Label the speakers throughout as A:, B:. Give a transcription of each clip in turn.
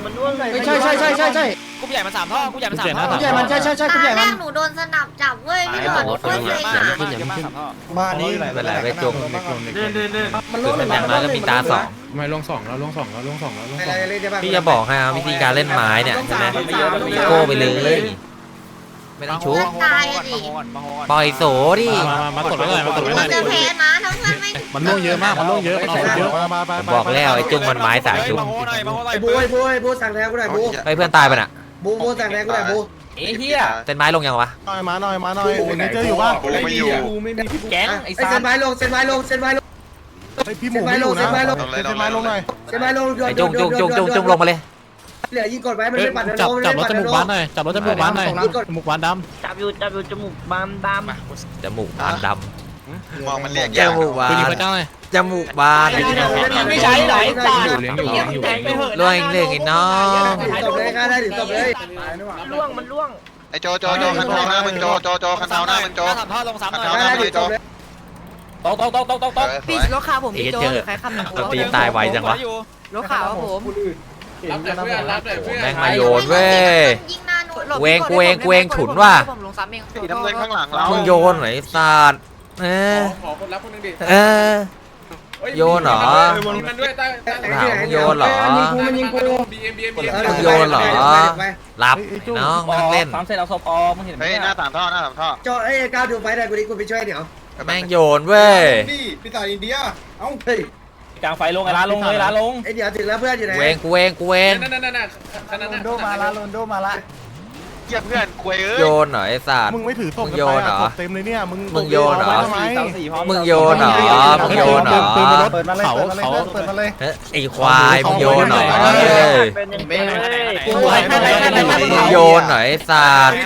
A: มันร่วงเลย
B: ใช่
C: กลุ่มใหญ่มัน3 ท่อกลุ่มใหญ่มัน3 ท่อก
B: ลุ่มใหญ่มันใช่กลุ่มใหญ่
D: แร
B: มัน
D: กหนูโดนสนับจับเว้ยพี่หลอดโคตรเซ็งอ่ะ
B: มานี่
E: เป็นไรไปจง
B: มัน
E: คือเป็นอย่างน้อยก็มีตาสอง
F: ไม่ลง2แล้วลง2แล้วลง2แล้วลง
E: พี่จะบอกให้วิธีการเล่นไม้เนี่ยใช่ไหมโก้ไปเลยไม่ต้องชุบ
D: ตายอ่ะดิ
E: ปล่อยโสดิ
F: มาตดไว้หน่อยมาตดไว้หน่อย
D: จะแพ้นะทั้งเพื่อนไม่
F: มันล่วงเยอะมากมันล่วงเยอะมันเอาเยอะ
E: ผมบอกแล้วไอ้จุงมันไม้สายชุบ
B: ไอ้บูสั่งแทงกูหน่อยบู
E: ไปเพื่อนตายไปน่ะ
B: บูสั่งแทงกูหน่อยบู
C: เอ้เหี้ย
E: เส้นไม้ลงยังวะ
F: มาหน่อยเจออยู่ป่ะ
G: ไม่อยู่
C: แก๊งไอ้
B: ไอ้เส้นไม้ลง
F: พี่หมูไม่อยู่นะเส้นไม้ลงหน่อย
B: เส้นไม้ลง
E: ไอ้จุงลงมาเลย
B: เหลือยิงกดไว้มันไม่ปัด
F: จับรถจมูกบ้านหน่อยจับรถจมูกบ้านหน่อยจมูกบ้านด
A: จับอยู่จมูกบานดำ
E: จมูกบานด
G: มองมันเรียก
E: ำจ
G: ยาก
E: มูกบา
F: ำคุณยิง
E: น
F: พระเจ้าหน่อย
E: จมูกบาน
C: ไม่ใช่ไหนตาย
F: เลี้ยงอยู่
E: รวยเรื่องไอ้น้อง
B: ตบเลยค่ะได้ถึงตบเลย
A: มันล่วง
G: ไอ้โจคันเท้าหน้ามึงโจคันเท้าหน้ามึงโจ
C: 3 ท่อลง3 หน่อย
B: ได้ถึงตบเลย
C: ตก
H: พี่รถขาวผมพี่โจ้หรือใครขับหนัง
E: ตีตายไวจังวะ
H: รถขาวครับผม
E: แม่งมาโยนเว้ย
D: ยิงหน้าหนู
E: เวงกูเองฉุนว่ะ
H: ผมลงซ้ำเอง
G: สีน้ำเงินข้างหลังเรา
E: มึงโยนไหนศาสตร์
I: ขอคนรับคนนึงดิ
E: โยนเหรอ
I: มันด้วยใต้
E: ถามมึงโยนเหรอ
B: มันยิงกู
I: BM
E: มึงโยนเหรอรับน้องมันเล่น
C: 3 เซตเอาศพมึงเห็นไหม
G: เฮ้ยหน้า3 ท่อหน้า3 ท่อ
B: จอไอ้ก้าวดูไฟได้กูดิกูไปช่วยเดี๋ยว
E: แม่งโยนเว้ย
I: นี่พี่ตายอินเดียเอ้า
B: เฮ้ย
C: กลางไฟลงไอ้ร้านลงเลยร้านลง
B: ไอ้เดี๋ยวถึงแล้วเพื่อนอยู่ไหน
E: กูเอง
I: นั่นขนาดนั้น
B: โดมาละ
G: เยี่ยเพื่อนคุยเอ้ย
E: โยนเหรอไอ้ศาสตร์
F: มึงไม่ถือศพเต็มเลยเนี่ยมึง
E: มึงโยนเหรอ
F: ทำไม
E: มึงโยนเหรอมึงโยนเหรอ
F: ปืนรถเขาเปิดมาเลย
E: ไอ้ควายมึงโยนเหรอ
A: เป็นยังไงเลย
E: มึงโยนเหรอไอ้ศาสตร์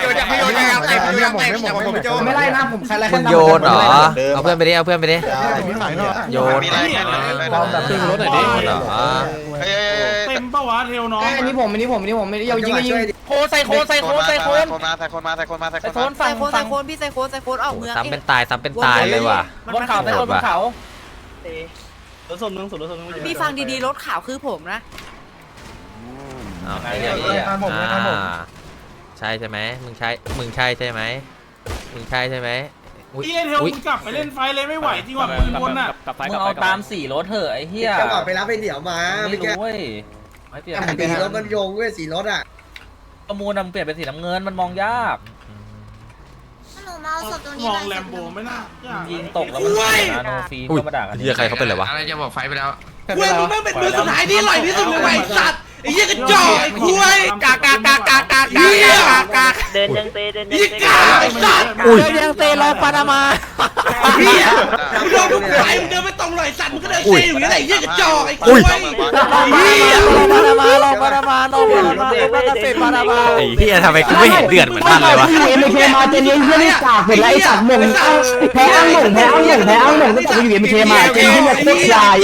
B: ไม่ไล่นะผมใครไล่
E: มึงโยนเหรอเอาเพื่อนไปดิโยน
G: มีอะไรแค่ไหนเลย
F: ปืนรถหน่อยดิ
E: เหรอ
G: เฮ้ย
I: เต็มปะวะเทลน้อง
B: อันนี้ผมไม่ได้ยิงยิง
C: โคใส่โคน
G: ใส่คนมาใส่คนมาใส่คนมา
C: โคน
H: ใส่โคนพี่ใส่โคนออกเมือง
E: ซ้ำเป็นตายเลยว่ะ
C: บนเขาใส่บนเขา
A: รถส่วนนึง
H: พี่ฟังดีๆรถขาวคือผมนะ
E: เอาไอ้เหี้ยใช่ใช่ไหมมึงใช่ใช่ไหม
I: พี่เทลมึงกลับไปเล่นไฟเลยไม่ไหวจริงว่ะปืนบนอ่ะ
C: มึงเอาตาม4 รถเถอะไอ้เหี้ย
B: จังหวะไปรับไอ้เดี๋ยวมา
C: ไม่
B: ไม่แก้
C: รู้เว้ยไม่เปลี่ยน
B: สีรถมันโยงเว้ยสีรถอ่ะ
C: ประมูลมันเปลี่ยนเป็นสีน้ำเงินมันมองยาก
D: หนูมาเอาศพตรงนี้
I: ม
D: เล
I: อง
D: ย
I: แลมโบไม่น่า
C: ยิงตกแล้วมันเสียนะโนฟีก็มาด่ากัน
E: เหี้ยใครเขาเป็นไรวะ
I: อะไรจะบอกไฟไปแล้ว
B: เว้ยมึงไม่เป็นมือสุดท้ายที่อร่อยที่สุดเลยไอ้สัตว์ไอ้เหี้ยกระจอกไอ้คุยกาก
A: เดินยังเตะ
B: ไอ้สัตว์
E: อุ้ย
H: ยังเตะรอปานามา
B: เหี้ยมึงโดนทุกไฟมึงเดินไม่ตรงหน่อยสัตว์มึงก็เดินเซ่อยู่อย่างนี้ไอ้เหี้ยกระจอกไอ้คุยเหี้ย
H: ปานามาเตะปานามา
E: ไอ้เหี้ยทำไมกูไม่เห็นเดือดเหมือนมันเลยวะ
B: ไม่เคมาเจนนี่เหี้ยนี่กากเป็นไรไอ้สัตว์มึงแพ้อ้างหนึ่งตั้งแต่กูอยู่เอ็มเคมาเจนนี่เนี่ยโคตรลาย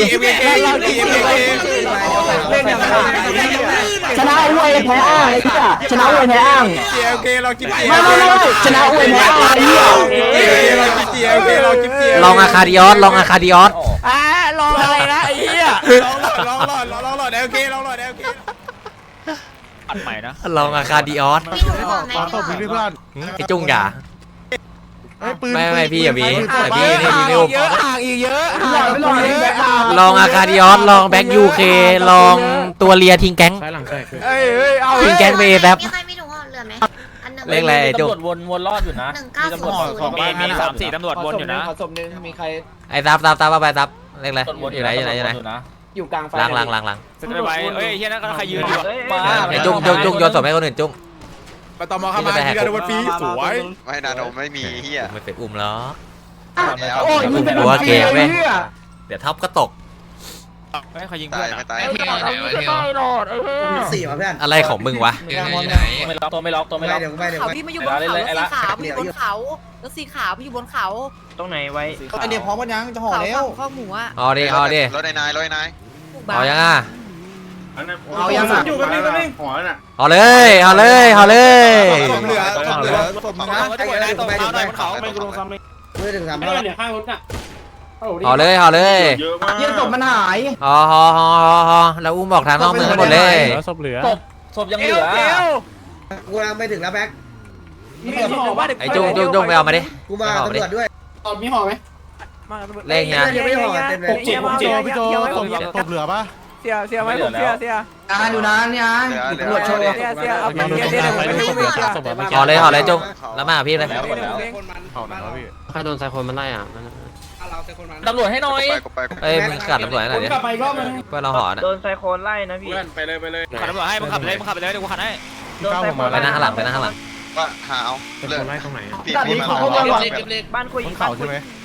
B: ชนะอวยแพ้อ้างไอ้เหี้ยชนะอวยแพ้อ้างเรากินไม่ชนะอวยแพ้อ้างไอ้เหี้ยเรากิน
E: ลองอาคาดิออส
H: ลองอะไรนะไอ้เหี้ย
I: ลองหลอดลองหลอดโอเคลองหลอดโอเค
C: อัดใหม่นะ
E: ลองอาคาดิออส
D: พี่หนูบอกไหม
F: ตบพี่เพื่อน
E: ไอ้จุ้งอย่า
F: ปืน
E: ไม่พี่อย่ามีแต่พี่นี่มีลูก
H: เยอะห่างอีกเยอะ
E: ลองอาคาดิออสลองแบ็กยูเคลองตัวเลียทิ้งแก๊ง
F: ซ้ายหลังแตก
E: ทิ้งแก๊งไปแป๊บ
D: มีใครมีถุงห่อเหลือไหมอันหนึ่ง
E: เลขอะไร
C: ตำรวจวนรอดอยู่นะมีตำรวจของมี3-4ตำรวจวนอยู่นะ
B: ศพนึงมีใคร
E: ไอ้ซับเอาไปซับเลขอะไรอยู่ไหน
B: อยู่กลางไฟ
E: ล้าง
C: จะไปเฮ้ยเฮียนั่นก็ใครยืนอยู่มา
E: ไอ้จุ้งโยนศพให้คนอื่นจุ้ง
I: ไปต่อมาเข้ามาที่การโดนฟรีสวย
G: ไม่นาโนไม่มีเฮีย
E: ไม่เป็นอุ้มหรอก
B: โอ้ยมึงเป็น
E: หัวเกมเว้ยเดี๋ยวท็อปก็ตก
C: ไม่ใครยิง
G: ตา
C: เพื่อย น
G: ไม่ตาย
B: สี่ว่ะเพื่อน
E: อะไรของมึงวะ
C: ไม่ล็อกตัวไม่ล็อก
B: เดี๋ยว
H: เขาพี่มาอยู่บนเขารถสีขาวพี่อยู่บนเขารถสีขาวพี่อยู่บนเขา
A: ตรงไหนไว้
B: ไอเดียพร้อมกันยังจะห่อ
H: เขา
B: แล้ว
H: ข้าวหมูอ่ะ
E: เอาดิ
G: รถนาย
E: เอายังอ่ะ
B: เอายังอ่ะ
I: อยู่กันนี่หัวน่ะ
E: เอาเลย
I: ศพเหลือศพนะ
C: ไม่กูลงซ้ำเลย
B: มือถึงสาม
I: ไม่
B: รอบ
I: เดี๋ยวข้างรถน่ะ
E: ห่อเลยห่อเลย
I: เยอะมาก
B: เยี่ยศพมันหาย
E: ห่อแล้วอุ้มบอกทางนอกเมืองหมดเลย
C: ศพยังเหลือ
B: กูกำลังไปถึงแล้วแบ็ค
E: ไอ้จุ้งไปเอามาดิ
B: กูมาตำรวจด้วย
F: มีห่อไหม
E: เลขเนี้ย
B: ยังไม่ห่อเต็มเลย
F: พี่โจศพเหลือปะ
C: เสียไหมผมเสีย
B: นานอยู่นานนี่นตำรวจโชว์
C: เอาไปเสียไม่รู้เสีย
E: ห่อเลยจุ้งแล้วมาหาพี่เลย
F: ห่อไหนวะพี่
C: ใครโดนไซโคนมันไล่อ่ะตำรวจให้หน่อย
G: ไป
E: เอ้ยมึงกัดตำรวจหน่อยดิเพื่อนเราห่อนะ
A: โดนไซโคลนไล่นะพี่
I: ไปเลยไปเลย
C: ขับตำรวจให้มึงขับเลยเดี๋ยวกูขับให้
A: โดนไซโคลน
E: ไปนั่งข้างหลังไปนั่งข้างหลัง
G: ว่าหาเอาเลิก
F: ไล่ตรงไหน
G: ปี
B: ตัด
G: ปี
B: นี้
G: เขา
B: เขาเข้ามาก่อน
A: บ้านคุย
F: บนเขาใช่ไหม